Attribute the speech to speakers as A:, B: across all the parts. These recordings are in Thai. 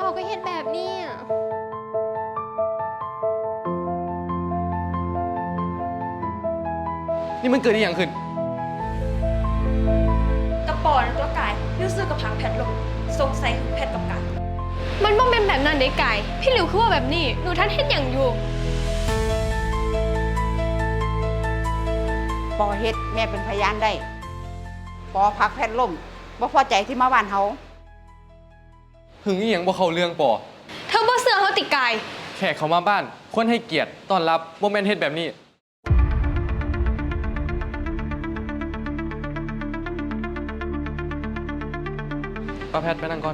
A: ก็เห็นแบบนี้
B: นี่มันเกิดอะไรอย่างขึ้น
C: กระปอนตัวกายยูซื้อกับพังแพทลงสงสัยแพทกับกาย
A: มันบ่เป็นแบบนั้นเด้ไก่พี่หลิวคือว่าแบบนี้หนูท่านเห็นอย่างอยู่
D: ปอเฮ็ดแม่เป็นพยานได้ปอพักแพทย์ล่มบ่พอใจที่มาบ้านเฮา
B: หึงอีหยังบ่เข้าเรื่องปอ
A: เธอบ่เสือเขาติไก่
B: แขกเขามาบ้านควรให้เกียรติต้อนรับบ่แม่นเฮ็ดแบบนี้ป้าแพทย์ไปนั่งก่อน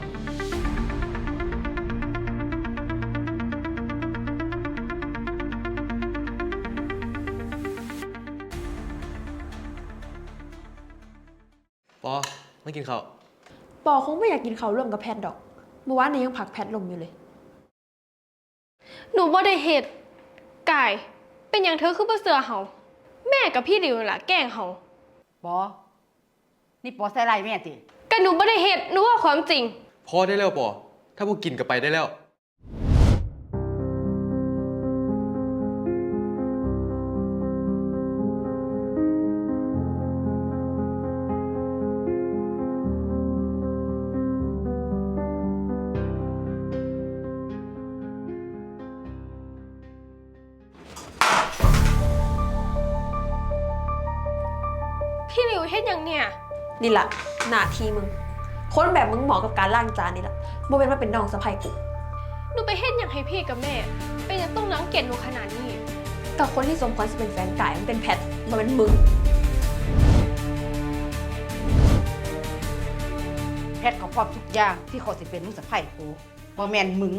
B: ปอมากินข้าว
C: ปอคงไม่อยากกินข้าวร่วมกับแพทดอกเมื่อวานนี้ยังผักแพทลมอยู่เลย
A: หนูบ่ได้เฮ็ดไก่เป็นอย่างเธอคือบ่เสือเฮาแม่กับพี่หลิวนั่นล่ะแกล้งเฮา
D: ปอนี่ปอใส่ร้ายแม่ติ
A: ก็หนูบ่ได้เฮ็ดหนูว่าความจริง
B: พอได้แล้วปอถ้าพวกกินก็ไปได้แล้ว
A: พี่หลิวเฮ็ดอย่างเนี่ย
C: นี่แหละหน้าที่มึง คนแบบมึงเหมาะกับการล้างจานนี่แหละโมเป็นว่าเป็นน้องสะใภ้กู
A: หนูไปเฮ็ดอย่างให้พี่กับแม่ เป็นอย่างต้องรังเกียจหนูขนาดนี้
C: แต่คนที่สมควรจะเป็นแฟนกายมันเป็นแพทมันเป็นมึง
D: แพทย์เขาพร้อมทุกอย่างที่เขาสิเป็นลูกสะใภ้กูบ่แม่นมึง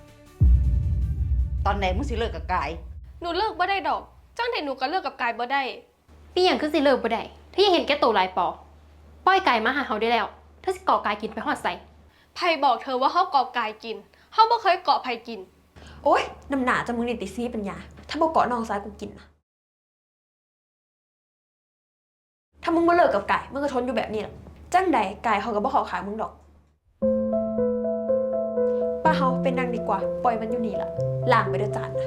D: ตอนไหนมึงสิเลิกกับกาย
A: หนูเลิกบ่ได้ดอกจังแต่หนูก็เลิกกับกายบ่ได้
E: ปีอย่างคือสิเลิกบ่ได้ถ้ายังเห็นแก่ตัวหลายปอปล่อยไก่มาหาเฮาได้แล้วถ้าสิก่อกายกินไปฮอดใส่
A: ไผบอกเธอว่าเฮาเกาะกายกินเฮาบ่เคยเกาะไผกิน
C: โอ๊ยน้ำหนาจะมึงนี่ติซีปัญญา ถ้าบอกเกาะน้องซ้ายกูกินนะถ้ามึงมาเลิกกับกายมึงก็ทนอยู่แบบนี้แหละจังใดกายเขาก็บ่ขอขายมึงดอกป้าเฮาเป็นนางดีกว่า ปล่อยมันอยู่นี่ละล้างไปด้วยจานนะ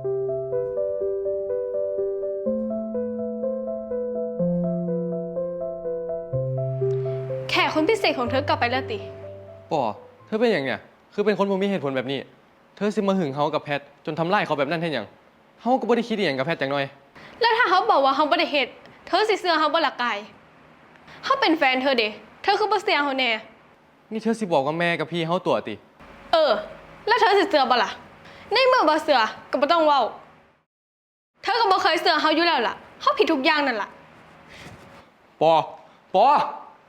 A: แขกคนพิเศษของเธอกลับไปแล้วติ
B: ปอเธอเป็นอย่างเนี่ยคือเป็นคนบ่มีเหตุผลแบบนี้ เธอสิมาหึงเฮากับแพทจนทำร้ายเขาแบบนั้นเฮ็ดหยังเฮาก็บ่ได้คิดอหยังกับแพทจังหน่อย
A: แล้วถ้าเขาบอกว่าเขาบ่ได้เฮ็ดเธอสิเชื่อเขาบ่ล่ะกายเขาเป็นแฟนเธอเด้เธอคือบ่เชื่อเขาแน่
B: นี่เธอสิบอกว่าแม่กับพี่เฮาตัวติ
A: แล้วเธอสิเชื่อบ่ล่ะในเมื่อบ่เชื่อก็บ่ต้องเว้าเธอก็บ่เคยเชื่อเขาอยู่แล้วล่ะเขาผิดทุกอย่างนั่นล่ะ
B: ปอปอ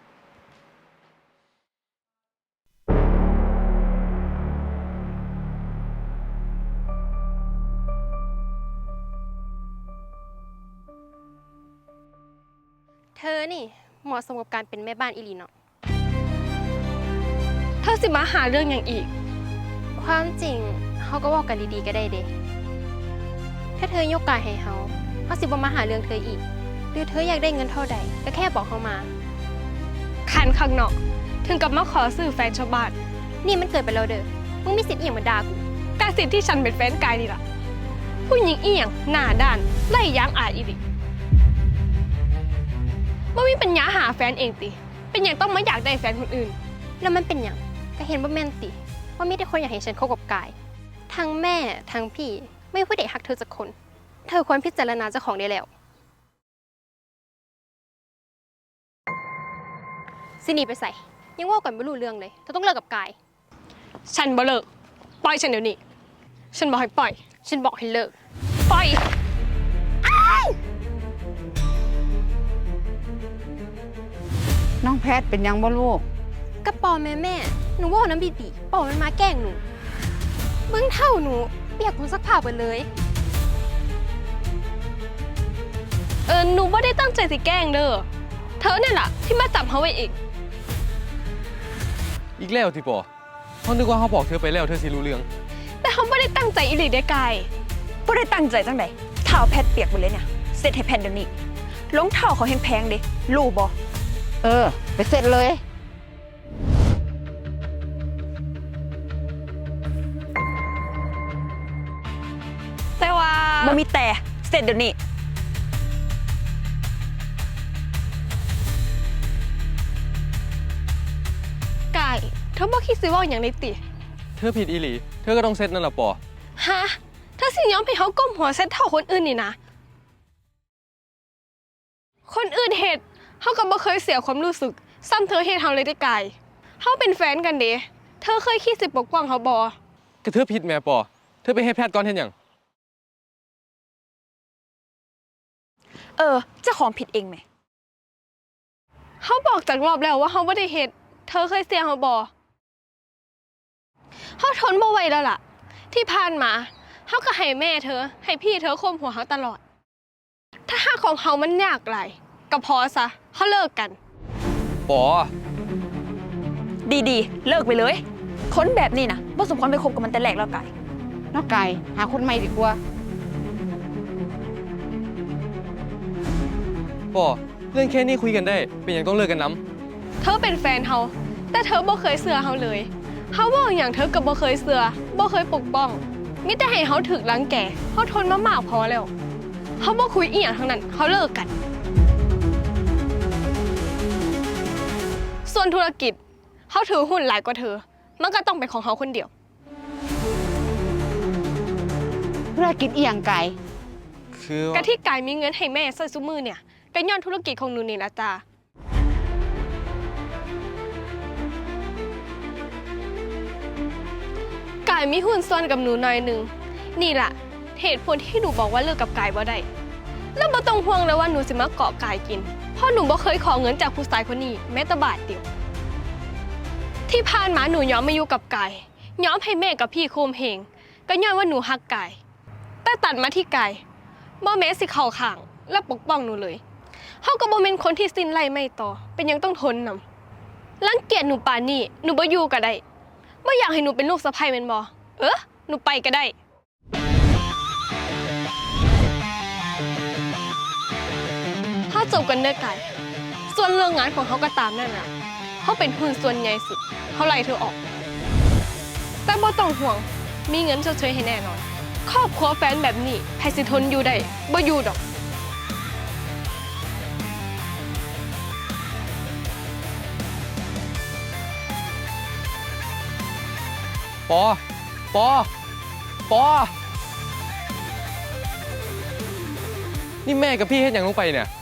E: เธอนี่เหมาะสมกับการเป็นแม่บ้านอีหลีเนาะ
A: เธอสิมาหาเรื่องอย่างอีก
E: ความจริงเฮาก็บอกกันดีๆก็ได้เด้ถ้าเธอยกกายให้เฮาสิบ่มาหาเรื่องเธออีกหรือเธออยากได้เงินเท่าใดก็แค่บอกเฮามา
A: ขันข้างนอกถึงกับมาขอซื้อแฟนชาวบ้าน
E: นี่มันเกิดไปแล้วเด้อมึงมีสิทธิ์อีหยังมาด่ากู
A: แต่สิทธิ์ที่ฉันเป็นแฟนกายนี่ล่ะผู้หญิงอีหยังหน้าด้านไล่ย้างอายอีดิบ่มีปัญญาหาแฟนเองติเป็นอย่างต้องมาอยากได้แฟนคนอื่น
E: แล้วมันเป็นหยังก็เห็นว่าแม่นติว่ามีแต่คนอยากให้ฉันคบกับกายทั้งแม่ทั้งพี่ไม่มีผู้ใดฮักเธอสักคน เธอควรพิจารณาเจ้าของได้แล้วสิหนีไปใส่ยังว่ากันไม่รู้เรื่องเลยเธอต้องเลิกกับกาย
A: ฉันบ่เลิกปล่อยฉันเดี๋ยวนี้ฉันบอกให้ปล่อย
E: ฉันบอกให้เลิก
A: ปล่อย
D: น้องแพทย์เป็นหยังบ่ลูก
E: กระปอแม่หนูว่าน้ำบีปอมันมาแกล้งหนูเบิ้งเท่าหนูเปียกคนซักผ้าไปเลย
A: หนูไม่ได้ตั้งใจสิแกล้งเด้อเธอเนี่ยแหละที่มาจับเขาไว้เอง
B: อีกแล้วติปอเฮานึกว่าเฮาบอกเธอไปแล้วเธอสิรู้เรื่อง
A: แต่เขาไม่ได้ตั้งใจอีหลีได้ไกล
C: บ่ได้ตั้งใจจังใดเท้าแพทเปียกหมดเลยเนี่ยเสร็จให้แพทเดี๋ยวนี้รองเท้าเขาแพงๆเด้รู้บ่
D: ไปเสร็จเลย
C: บ่มีแต่เสร็จเดี๋ยวนี้
A: กายเธอบ่คิดสิเว่าอย่างในติ
B: เธอผิดอีหลี เธอก็ต้องเซ็ตนั่นล่ะปอ
A: ฮะเธอสิยอมให้เขาก้มหัวเซ็ตเท่าคนอื่นนี่นะ คนอื่นเฮ็ดเขาก็บ่เคยเสียความรู้สึกซ้ำเธอเฮ็ดเฮาเลยได้กายเขาเป็นแฟนกันเด้เธอเคยคิดสิปกป้องเขาบ่
B: ก็เธอผิดแม่ปอ เธอไปเฮ็ดแพทย์ก่อนเฮ็ดหยัง
C: เจ้าของผิดเองไหม
A: เขาบอกจากรอบแล้วว่าเขาบ่ได้เฮ็ดเธอเคยเสียเขาบ่เขาทนบ่ไหวแล้วล่ะ ที่ผ่านมาเขาก็ให้แม่เธอ ให้พี่เธอข่มหัวเขาตลอด ถ้าหากของเขามันยากหลายก็พอซะเขาเลิกกัน
B: ปอ
C: ดีๆ เลิกไปเลย คนแบบนี้นะบ่สมควรไปคบกับมันแต่แรกแล้วกาย
D: นอกไก่หาคนใหม่ดีกว่า
B: ปอ เรื่องแค่นี้คุยกันได้ เป็นหยังต้องเลิกกันน้
A: เธอเป็นแฟนเขาแต่เธอบ่เคยเสือเขาเลยเขาว่าอย่างเธอก็บ่เคยเสือบ่เคยปกป้องมิแต่ให้เขาถึกรังแกเขาทนมามากพอแล้วเขาบ่คุยอีหยังทั้งนั้นเขาเลิกกัน ส่วนธุรกิจเขาถือหุ้นหลายกว่าเธอ มันก็ต้องเป็นของเขาคนเดียว
D: ธุรกิจอีหยังไก่
B: ำคือว่าก
A: ะที่กายมีเงินให้แม่ใส่ซุมือเนี่ยก็ย้อนธุรกิจของหนูนี่ละจ้า กายมีหุ้นส่วนกับหนูหน่อยหนึ่งนี่ล่ะเหตุผลที่หนูบอกว่าเลิกกับกายบ่ได้แล้วบ่ต้องห่วงเลยว่าหนูสิมาเกาะกายกินเพราะหนูบ่เคยขอเงินจากผู้ชายคนนี้แม้แต่บาทเดียวที่ผ่านมาหนูยอมมาอยู่กับกายยอมให้แม่กับพี่โคมเหงก็ย้อนว่าหนูฮักกายแต่ตัดมาที่กายบ่แม้สิเข้าข้างและปกป้องหนูเลยเฮาก็บ่แม่นคนที่สิ้นไล่ไม่ต่อเป็นหยังต้องทนนำรังเกียจหนูปานนี้หนูบ่อยู่ก็ได้บ่อยากให้หนูเป็นลูกสะใภ้แม่นบ่หนูไปก็ได้ถ้าจบกันเด้อกันส่วนเรื่องงานของเขาก็ตามนั่นน่ะเขาเป็นหุ้นส่วนใหญ่สุดเขาไล่เธอออก แต่บ่ต้องห่วงมีเงินชดเชยให้แน่นอนครอบครัวแฟนแบบนี้ไผสิทนอยู่ได้บ่อยู่ดอก
B: ปอ ปอ ปอ นี่แม่กับพี่เฮ็ดหยังลงไปเนี่ย